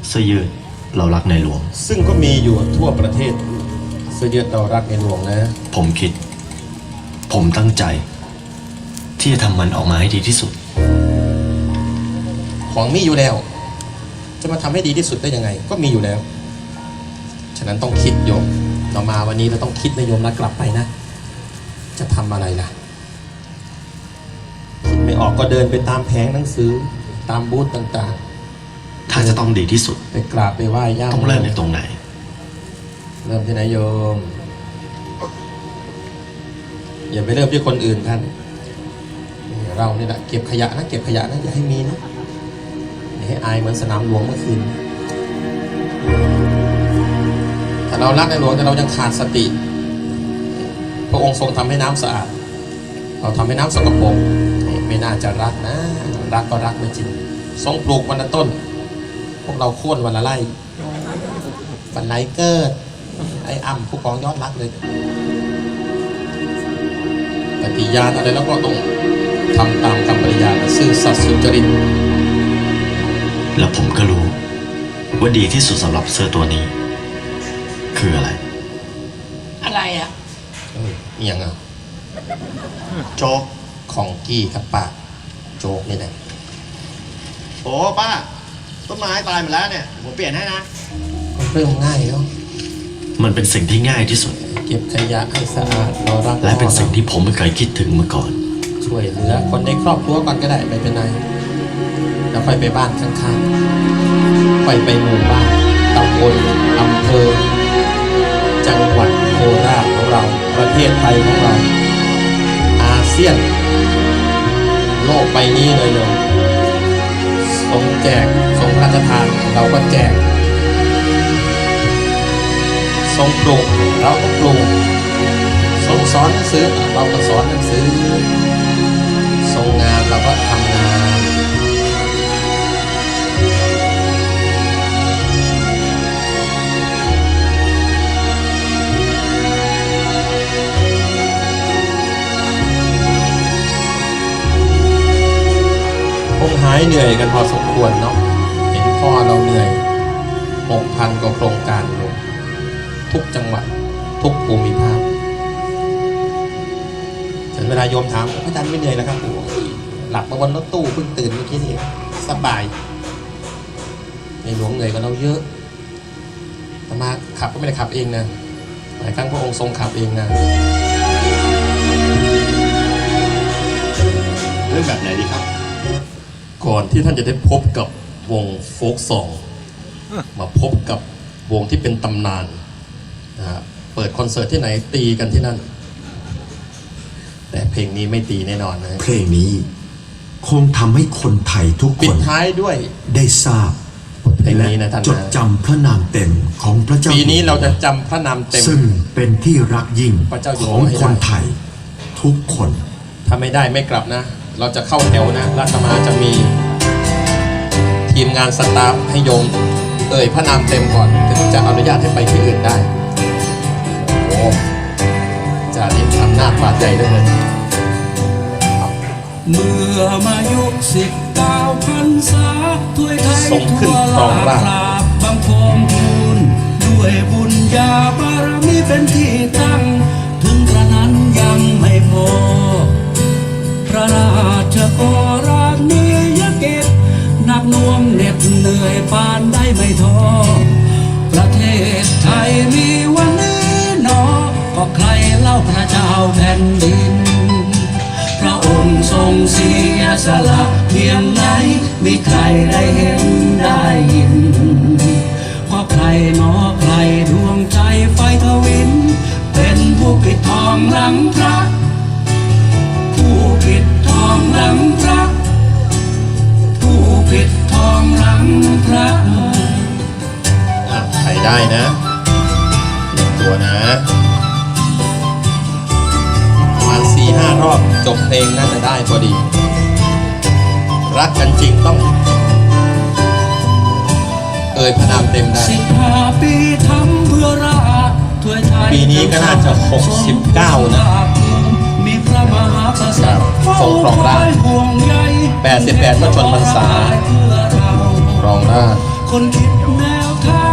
เสื้อยืดเรารักในหลวงซึ่งก็มีอยู่ทั่วประเทศเสื้อยืดเรารักในหลวงนะผมตั้งใจที่จะทำมันออกมาให้ดีที่สุดของมีอยู่แล้วจะมาทำให้ดีที่สุดได้ยังไงก็มีอยู่แล้วฉะนั้นต้องคิดโยมเรามาวันนี้เราต้องคิดนะโยมแล้วกลับไปนะจะทำอะไรล่ะคิดไม่ออกก็เดินไปตามแผงหนังสือตามบูธต่างๆถ้าจะต้องดีที่สุดไปกราบไปไหว้ย่าต้องเริ่มในตรงไหนเริ่มที่ไหนโยมอย่าไปเริ่มที่คนอื่นท่านเราเนี่ยแหละเก็บขยะนะเก็บขยะนะอย่าให้มีนะอย่าให้อายเหมือนสนามหลวงเมื่อคืนถ้าเรารักในหลวงแต่เรายังขาดสติพระองค์ทรงทำให้น้ำสะอาดเราทำให้น้ำสกปรกไม่น่าจะรักนะรักก็รักไม่จริงทรงปลูกวันละต้นพวกเราโค่นวันละไร่วันไหนเกิดไอ้อ้ำผู้กองยอดรักเลยปฏิญาณอะไรแล้วก็ต้องทำตามคำปฏิญาณซื่อสัตย์สุจริตและผมก็รู้ว่าดีที่สุดสำหรับเสื้อตัวนี้คืออะไรอ่ะอย่างอ่ะโจ๊กของกี้ครับป้าโจ๊กนี่แหละโอ้ป้าต้นไม้ตายหมดแล้วเนี่ยผมเปลี่ยนให้นะเริ่มง่ายแล้วมันเป็นสิ่งที่ง่ายที่สุดเก็บขยะให้สะอาดเรารักและเป็นสิ่งที่ผมไม่เคยคิดถึงมาก่อนช่วยเหลือคนในครอบครัวก่อนก็ได้ไม่เป็นไรแล้วค่อยไปบ้านข้างๆไปหมู่บ้านตำบลอำเภอจังหวัดโคราชของเราประเทศไทยของเราอาเซียนโลกใบนี้เลยโยมทรงแจกทรงพระราชทานเราก็แจกทรงปลูกเราก็ปลูกทรงสอนหนังสือเราก็สอนหนังสือทรงงานเราก็ทำงานคงหายเหนื่อยกันพอสมควรเนาะเห็นพ่อเราเหนื่อย 6,000 กว่าโครงการลงทุกจังหวัดทุกภูมิภาคถึงเวลาโยมถามพระอาจารย์ไม่เหนื่อยแล้วครับหลับมาบนรถตู้เพิ่งตื่นเมื่อกี้นี่สบายในหลวงเหนื่อยกว่าเราเยอะแต่มาขับก็ไม่ได้ขับเองนะหลายครั้งพระองค์ทรงขับเองนะเรื่องแบบไหนดีครับก่อนที่ท่านจะได้พบกับวงโฟล์กซองมาพบกับวงที่เป็นตำนานนะฮะเปิดคอนเสิร์ตที่ไหนตีกันที่นั่นแต่เพลงนี้ไม่ตีแน่นอนนะเพลงนี้คงทำให้คนไทยทุกคนปิดท้ายด้วยได้ทราบเพลงนี้นะท่านจดจำพระนามเต็มของพระเจ้าปีนี้เราจะจำพระนามเต็มซึ่งเป็นที่รักยิ่งของคนไทยทุกคนถ้าไม่ได้ไม่กลับนะเราจะเข้าแถวนะราชมาจะมีทีมงานสตาฟให้โยมพระนามเต็มก่อนถึงจะอนุญาตให้ไปที่อื่นได้โอ้จะนี่ทำหน้าพาใจด้วยเลยเมื่อมายุ19 พรรษาถ้วยไทยทั่วลาบังคมทูลด้วยบุญญาบารมีเป็นที่ตั้งถึงกระนั้นยังไม่พอพระราชกราณียกิจหนักหน่วงเหน็ดเหนื่อยปานได้ไม่ท้อประเทศไทยมีวันนี้หนอก็ใครเล่าพระเจ้าแผ่นดินพระองค์ทรงเสียสละเพียงไหนมีใครได้เห็นได้ยินเพราะใครหนอใครดวงใจไฟทวินเป็นผู้ปิดทองหลังพระผู้ปิดทองหลังพระผู้ปิดทองหลังพระใครได้นะตัวนะประมาณ 4-5 รอบจบเพลงน่าจะได้พอดีรักกันจริงต้องพระนามเต็มได้ 15 ปีทำเพื่อราชถ้วยไทยปีนี้ก็น่าจะ69นะมีพระมหากษัตริย์ทรงครองราชย์88 พระชนพรรษาครองราชย์คนคิดแนวทาง